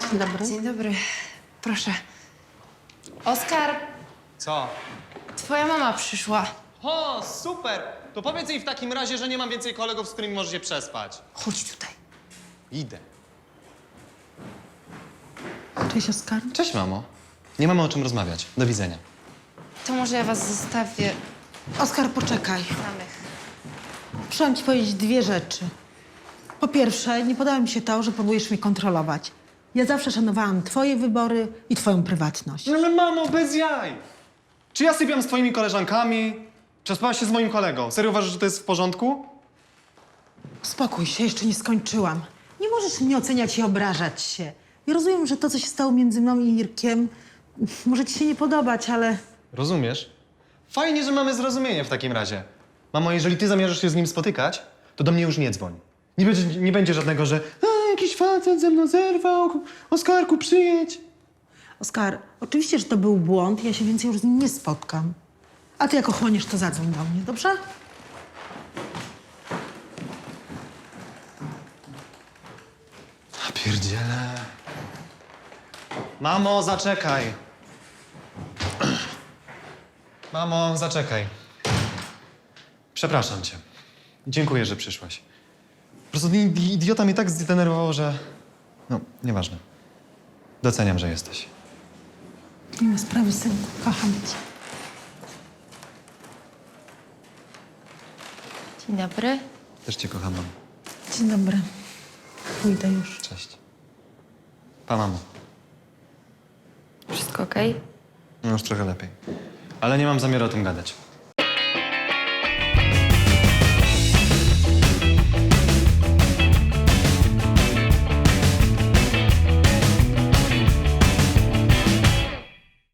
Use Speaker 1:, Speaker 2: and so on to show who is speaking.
Speaker 1: Dzień dobry.
Speaker 2: Dzień dobry. Proszę. Oskar,
Speaker 3: Co?
Speaker 2: twoja mama przyszła.
Speaker 3: O, super! To powiedz jej w takim razie, że nie mam więcej kolegów, z którymi możesz się przespać.
Speaker 2: Chodź tutaj.
Speaker 3: Idę.
Speaker 1: Cześć, Oskar.
Speaker 3: Cześć, mamo. Nie mamy o czym rozmawiać. Do widzenia.
Speaker 2: To może ja was zostawię
Speaker 1: Oskar, poczekaj.
Speaker 2: samych.
Speaker 1: Muszę ci powiedzieć dwie rzeczy. Po pierwsze, nie podoba mi się to, że próbujesz mnie kontrolować. Ja zawsze szanowałam twoje wybory i twoją prywatność.
Speaker 3: Ale mamo, bez jaj! Czy ja sypiam z twoimi koleżankami? Czy spałaś się z moim kolegą? Serio uważasz, że to jest w porządku?
Speaker 1: Spokój się, jeszcze nie skończyłam. Nie możesz mnie oceniać i obrażać się. Ja rozumiem, że to, co się stało między mną i Irkiem, może ci się nie podobać, ale...
Speaker 3: Rozumiesz? Fajnie, że mamy zrozumienie w takim razie. Mamo, jeżeli ty zamierzasz się z nim spotykać, to do mnie już nie dzwoń. Nie będzie żadnego, że jakiś facet ze mną zerwał, Oskarku, przyjedź.
Speaker 1: Oskar, oczywiście, że to był błąd, ja się więcej już z nim nie spotkam. A ty jak ochłoniesz, to zadzwoń do mnie, dobrze?
Speaker 3: A pierdziele. Mamo, zaczekaj. Mamo, zaczekaj. Przepraszam cię. Dziękuję, że przyszłaś. Po prostu idiota mnie tak zdenerwował, że... No, nieważne. Doceniam, że jesteś.
Speaker 1: Nie ma sprawy, synku, kocham cię.
Speaker 2: Dzień dobry.
Speaker 3: Też cię kocham, mamo.
Speaker 1: Dzień dobry. Pójdę już.
Speaker 3: Cześć. Pa, mamo.
Speaker 2: Wszystko okej?
Speaker 3: No już trochę lepiej. Ale nie mam zamiaru o tym gadać.